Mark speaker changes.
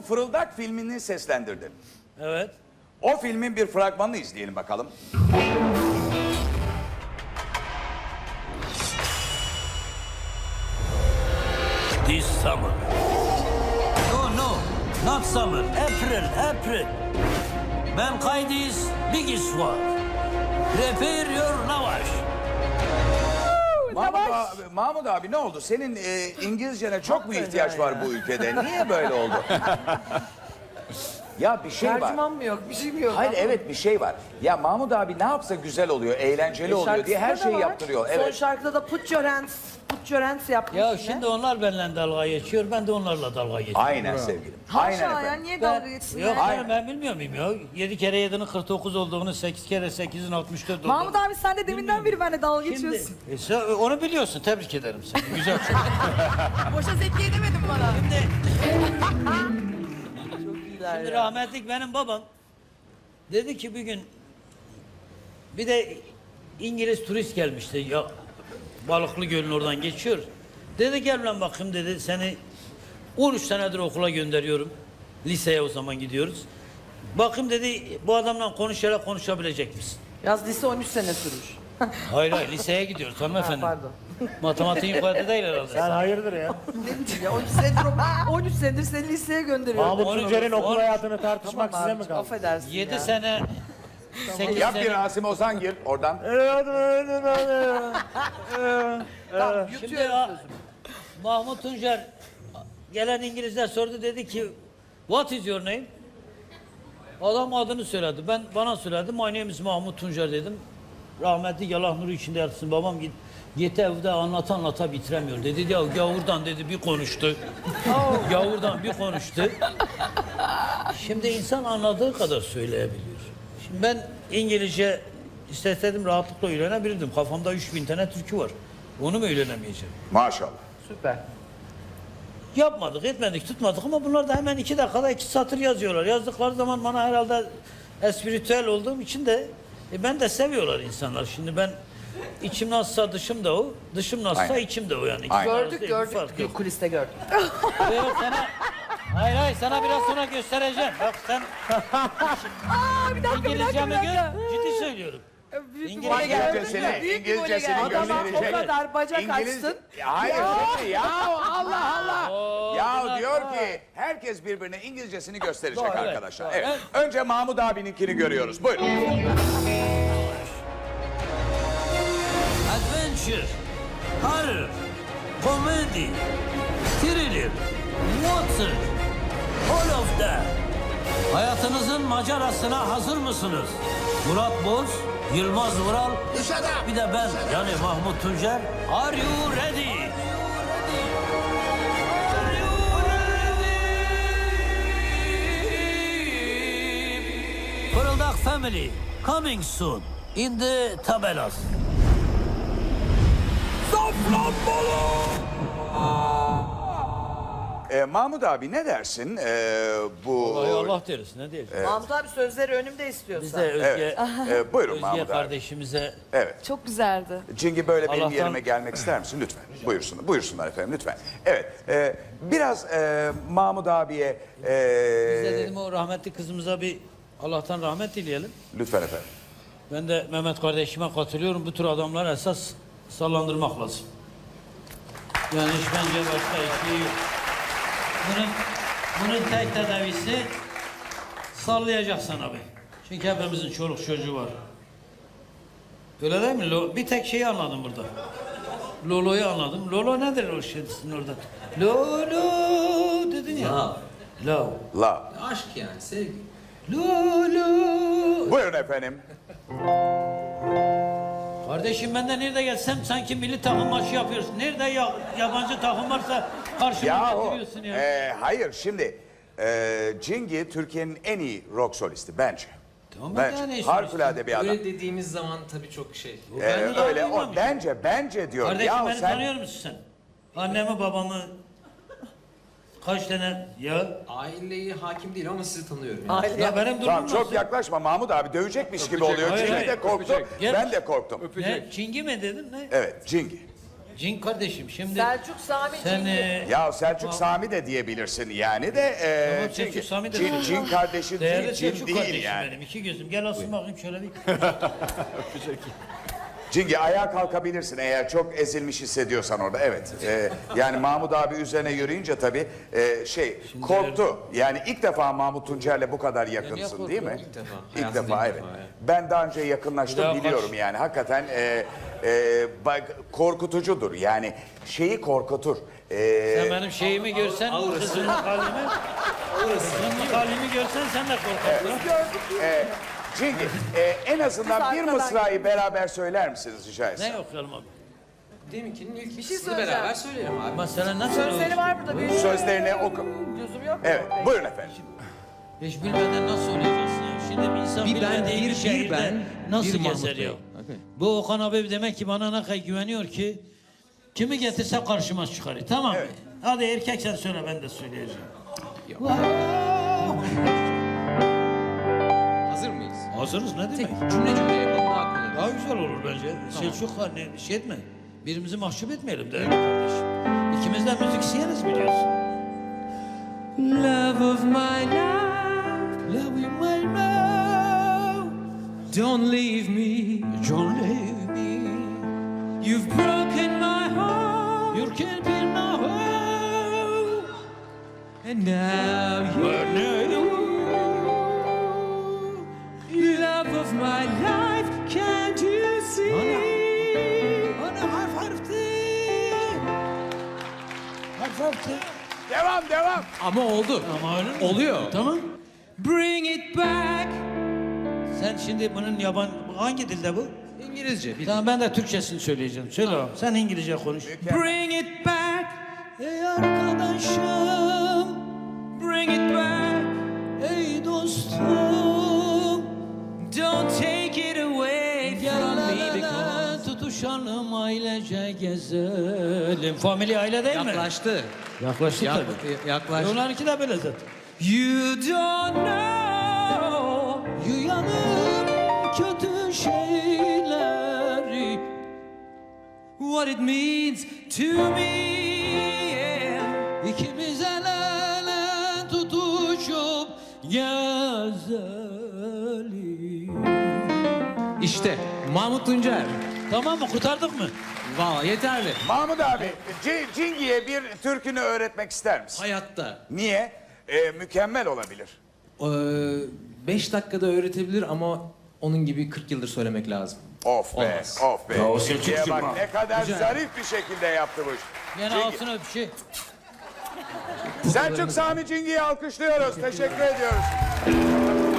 Speaker 1: Fırıldak filmini seslendirdin.
Speaker 2: Evet.
Speaker 1: O filmin bir fragmanını izleyelim bakalım.
Speaker 2: This summer. No, not summer. April. Mankind is biggest war. Prepare your lavaş.
Speaker 1: Mahmut abi ne oldu? Senin İngilizcene çok mu ihtiyaç var bu ülkede? Niye böyle oldu? Ya bir şey var.
Speaker 3: Tercüman mı yok? Bir şey mi yok?
Speaker 1: Hayır evet bir şey var. Ya Mahmut abi ne yapsa güzel oluyor, eğlenceli oluyor diye her
Speaker 3: Şarkısında da
Speaker 1: şeyi
Speaker 3: var.
Speaker 1: yaptırıyor.
Speaker 3: Son
Speaker 1: Evet.
Speaker 3: şarkıda da put your hands yapmış
Speaker 2: Ya
Speaker 3: yine.
Speaker 2: şimdi onlar benimle dalga geçiyor, ben de onlarla dalga geçiyorum.
Speaker 1: Aynen sevgilim. Aynen
Speaker 4: Haşa ya
Speaker 1: efendim.
Speaker 4: niye dalga geçsinler?
Speaker 2: Yok
Speaker 1: Aynen.
Speaker 2: ben bilmiyor muyum ya? 7 kere 7'nin 49 olduğunu, 8 kere 8'in 64 olduğunu.
Speaker 4: Mahmut abi sen de deminden beri benimle dalga geçiyorsun.
Speaker 2: Sen onu biliyorsun, tebrik ederim seni. Güzel çok.
Speaker 4: Boşa Zekiye demedin bana.
Speaker 2: Şimdi rahmetlik benim babam dedi ki bir gün bir de İngiliz turist gelmişti ya Balıklı Göl'ün oradan geçiyor. Dedi gel lan bakayım dedi seni 13 senedir okula gönderiyorum. Liseye o zaman gidiyoruz. Bakayım dedi bu adamla konuşabilecek misin?
Speaker 3: Yaz lise 13 sene sürmüş.
Speaker 2: Hayır liseye gidiyoruz hanımefendi.
Speaker 3: Pardon.
Speaker 2: Matematiğin yukarıda değil herhalde.
Speaker 5: Sen hayırdır ya?
Speaker 3: Ya 13 senedir seni liseye gönderiyorum.
Speaker 5: Mahmut
Speaker 2: Onu-
Speaker 5: Tuncer'in okul
Speaker 2: onu-
Speaker 5: hayatını tartışmak size mi
Speaker 3: Abicim,
Speaker 5: kaldı?
Speaker 3: affedersin
Speaker 2: 7
Speaker 3: ya.
Speaker 2: sene 8
Speaker 1: Yap bir
Speaker 2: sene.
Speaker 1: Rasim Ozan gir oradan.
Speaker 3: Tamam,
Speaker 2: Şimdi
Speaker 3: yutuyorum sözümü.
Speaker 2: Mahmut Tuncer gelen İngilizler sordu dedi ki what is your name? Adam adını söyledi. Bana söyledi. My name is Mahmut Tuncer dedim. Rahmetli Allah nuru içinde yatsın. Babam gitti evde anlata bitiremiyor. Dedi ya gavurdan dedi bir konuştu. Gavurdan bir konuştu. Şimdi insan anladığı kadar söyleyebiliyor. Şimdi ben İngilizce isteseydim rahatlıkla öğrenebilirdim. Kafamda 3000 tane türkü var. Onu mu öğrenemeyeceğim?
Speaker 1: Maşallah.
Speaker 3: Süper.
Speaker 2: Yapmadık, etmedik, tutmadık ama bunlar da hemen 2 dakikada 2 satır yazıyorlar. Yazdıkları zaman bana herhalde espiritüel olduğum için de ben de seviyorlar insanlar. Şimdi ben içim nasılsa dışım da o, dışım nasılsa
Speaker 1: Aynen.
Speaker 2: içim de o yani.
Speaker 1: Aynen.
Speaker 2: İkisi arasında bir fark
Speaker 3: Gördük.
Speaker 2: yok.
Speaker 3: Kuliste gördük.
Speaker 2: Yok sana, hayır sana biraz sonra göstereceğim. Bak sen
Speaker 4: Aa bir dakika
Speaker 2: İngilizcemi gör, ciddi söylüyorum.
Speaker 1: İngilizcesini
Speaker 3: Adama o
Speaker 1: gösterecek.
Speaker 3: kadar bacak
Speaker 1: İngiliz...
Speaker 3: açtın.
Speaker 1: Hayır ya Allah Allah. Ya
Speaker 2: bunlar-
Speaker 1: diyor ki herkes birbirine İngilizcesini gösterecek
Speaker 2: Doğru, evet,
Speaker 1: arkadaşlar.
Speaker 2: doğru.
Speaker 1: Evet. Önce Mahmut abininkini görüyoruz. Buyurun.
Speaker 2: Adventure, horror, comedy, thriller, water, all of that. Hayatınızın macerasına hazır mısınız? Murat Boz, Yılmaz Vural, bir de ben yani Mahmut Tuncer. Are you ready? Are you ready? Fırıldak Family, coming soon in the tabelas.
Speaker 1: Mahmut abi ne dersin bu...
Speaker 2: Ay Allah deriz ne diyelim.
Speaker 3: Mahmut abi sözleri önümde istiyorsan.
Speaker 2: Biz de Özge,
Speaker 1: Buyurun
Speaker 2: Özge
Speaker 1: Mahmut abi.
Speaker 2: kardeşimize
Speaker 1: Evet.
Speaker 4: Çok güzeldi.
Speaker 1: Cingi böyle benim
Speaker 2: Allah'tan-
Speaker 1: yerime gelmek ister misin? Lütfen. Buyursunlar efendim lütfen. Evet. Biraz Mahmut abiye...
Speaker 2: bize dedim o rahmetli kızımıza bir Allah'tan rahmet dileyelim.
Speaker 1: Lütfen efendim.
Speaker 2: Ben de Mehmet kardeşime katılıyorum. Bu tür adamlar esas sallandırmak lazım. Yani hiç bence başka bir şey yok. Bunun tek tedavisi sallayacaksın abi. Çünkü hepimizin çoluk çocuğu var. Öyle değil mi? Bir tek şeyi anladım burada. Lolo'yu anladım. Lolo nedir o şeysin orada? Lolo dedin ya. Love.
Speaker 1: Love.
Speaker 6: Aşk yani, sevgi.
Speaker 2: Lolo.
Speaker 1: Buyurun efendim.
Speaker 2: Kardeşim ben de nerede gelsem sanki milli takım maçı yapıyoruz. Nerede yabancı takım varsa karşıma
Speaker 1: Yahu,
Speaker 2: getiriyorsun ya.
Speaker 1: hayır şimdi Cingi Türkiye'nin en iyi rock solisti bence.
Speaker 2: Tamam,
Speaker 1: Bence.
Speaker 2: yani işte.
Speaker 1: Harikulade bir adam.
Speaker 6: Öyle dediğimiz zaman tabii çok şey.
Speaker 2: Ben de
Speaker 1: Öyle
Speaker 2: duymamışım.
Speaker 1: o bence diyor.
Speaker 2: Kardeşim
Speaker 1: Ya
Speaker 2: beni
Speaker 1: sen
Speaker 2: tanıyor musun sen? Annemi babamı kaç tane ya?
Speaker 6: Aileye hakim değil ama sizi tanıyorum. Yani.
Speaker 3: Aile
Speaker 2: Ya benim durumum
Speaker 1: tamam çok
Speaker 2: nasıl?
Speaker 1: yaklaşma Mahmut abi dövecekmiş gibi oluyor.
Speaker 2: Hayır,
Speaker 1: Cingi
Speaker 2: hayır.
Speaker 1: de korktu.
Speaker 2: Gel.
Speaker 1: Ben de korktum.
Speaker 2: Ne? Çingi mi dedin ne?
Speaker 1: Evet Cingi.
Speaker 2: Cin kardeşim şimdi
Speaker 3: Selçuk Sami
Speaker 2: sen
Speaker 3: Cin.
Speaker 1: Ya Selçuk Sami de diyebilirsin yani de.
Speaker 2: Tamam,
Speaker 1: çünkü
Speaker 2: Selçuk Sami de-
Speaker 1: Cin kardeşi
Speaker 2: değerli
Speaker 1: değil, Cin
Speaker 2: Selçuk
Speaker 1: değil
Speaker 2: kardeşim
Speaker 1: yani.
Speaker 2: benim. İki gözüm. Gel asın bakayım şöyle bir.
Speaker 1: Cingi ayağa kalkabilirsin eğer çok ezilmiş hissediyorsan orada. Evet. Yani Mahmut abi üzerine yürüyünce tabii korktu. Yani ilk defa Mahmut Tuncer'le bu kadar yakınsın değil mi?
Speaker 6: İlk defa.
Speaker 1: İlk
Speaker 6: Hayatımda
Speaker 1: defa
Speaker 6: ilk
Speaker 1: evet.
Speaker 6: defa, evet.
Speaker 1: Ben daha önce
Speaker 2: Bir
Speaker 1: yakınlaştım
Speaker 2: daha
Speaker 1: biliyorum
Speaker 2: kaç-
Speaker 1: yani. Hakikaten korkutucudur. Yani şeyi korkutur.
Speaker 2: Sen benim şeyimi görsen, kızımlık halimi, kızımlık halimi görsen sen de korkarsın.
Speaker 1: Cingi en azından bir
Speaker 3: arkadan
Speaker 1: mısrayı beraber söyler misiniz rica etsem?
Speaker 2: Ne okuyalım abi?
Speaker 6: Deminkinin ilk
Speaker 3: şey
Speaker 6: ikisini
Speaker 3: söyleyeceğim.
Speaker 6: beraber söyleyelim abi.
Speaker 2: Mesela nasıl
Speaker 3: Sözleri
Speaker 2: olur?
Speaker 3: var burada. Bir
Speaker 1: Sözlerini oku.
Speaker 3: Lüzum yok.
Speaker 1: Evet buyurun efendim.
Speaker 2: Hiç bilmeden nasıl olacaksın ya? Şimdi bir insan
Speaker 6: Bir ben,
Speaker 2: bilmediği
Speaker 6: bir
Speaker 2: bir şehirde
Speaker 6: ben,
Speaker 2: nasıl
Speaker 6: bir Mahmut
Speaker 2: gezer
Speaker 6: Bey.
Speaker 2: ya?
Speaker 6: Okay.
Speaker 2: Bu Okan abi demek ki bana ne kadar güveniyor ki kimi getirsem karşıma çıkarıyor. Tamam mı?
Speaker 1: Evet.
Speaker 2: Hadi erkek sen söyle ben de söyleyeceğim.
Speaker 6: Hazır mıyız?
Speaker 2: Hazırız ne demek?
Speaker 6: Cümle cümle yapalım daha kolay.
Speaker 2: Daha güzel olur bence. Selçuk var ne şey etme. Birimizi mahcup etmeyelim değerli kardeşim. İkimiz de müziksiyeniz biliyorsun.
Speaker 6: Love of my life,
Speaker 2: Love you my love,
Speaker 6: don't leave me.
Speaker 2: don't leave me.
Speaker 6: You've broken my heart,
Speaker 2: You can't be my home.
Speaker 6: and now you. Love of my life, can't you see?
Speaker 2: Ana harfti. Harfti.
Speaker 1: Devam.
Speaker 6: Ama oldu.
Speaker 2: Ama öyle mi?
Speaker 6: Oluyor.
Speaker 2: Tamam.
Speaker 6: Bring it back.
Speaker 2: Sen şimdi bunun hangi dilde bu?
Speaker 6: İngilizce. Bir
Speaker 2: Tamam ben de Türkçesini söyleyeceğim. Söyle bakalım. Sen İngilizce konuş.
Speaker 6: Bring it back.
Speaker 2: Ey arkadaşım,
Speaker 6: Bring it back.
Speaker 2: ey dostum.
Speaker 6: Don't take it away from me because.
Speaker 2: Tutuşalım ailece gezelim. Family aile değil mi?
Speaker 6: Yaklaştı.
Speaker 2: Yaklaştı tabii.
Speaker 6: Yaklaştı.
Speaker 2: Onlarınki de böyle zaten.
Speaker 6: You don't know.
Speaker 2: Yuyanım kötü şeyleri.
Speaker 6: What it means to me, yeah.
Speaker 2: İkimiz el ele tutuşup gezelim.
Speaker 6: İşte Mahmut Tuncer.
Speaker 2: Tamam mı? Kurtardık mı?
Speaker 6: Valla yeterli.
Speaker 1: Mahmut abi Cingi'ye bir türkünü öğretmek ister misin?
Speaker 6: Hayatta.
Speaker 1: Niye? Mükemmel olabilir.
Speaker 6: 5 dakikada öğretebilir ama onun gibi 40 yıldır söylemek lazım.
Speaker 1: Of be,
Speaker 6: Olmaz.
Speaker 1: of be.
Speaker 2: Bravo,
Speaker 1: Cingi'ye
Speaker 2: Selçukcuğum
Speaker 1: bak
Speaker 2: ha.
Speaker 1: ne kadar
Speaker 6: Güzel.
Speaker 1: zarif bir şekilde yaptı bu iş.
Speaker 2: Yine
Speaker 1: Cingi-
Speaker 2: altına öpüşü.
Speaker 1: Selçuk Sami Cingi'yi alkışlıyoruz. Teşekkür ediyoruz.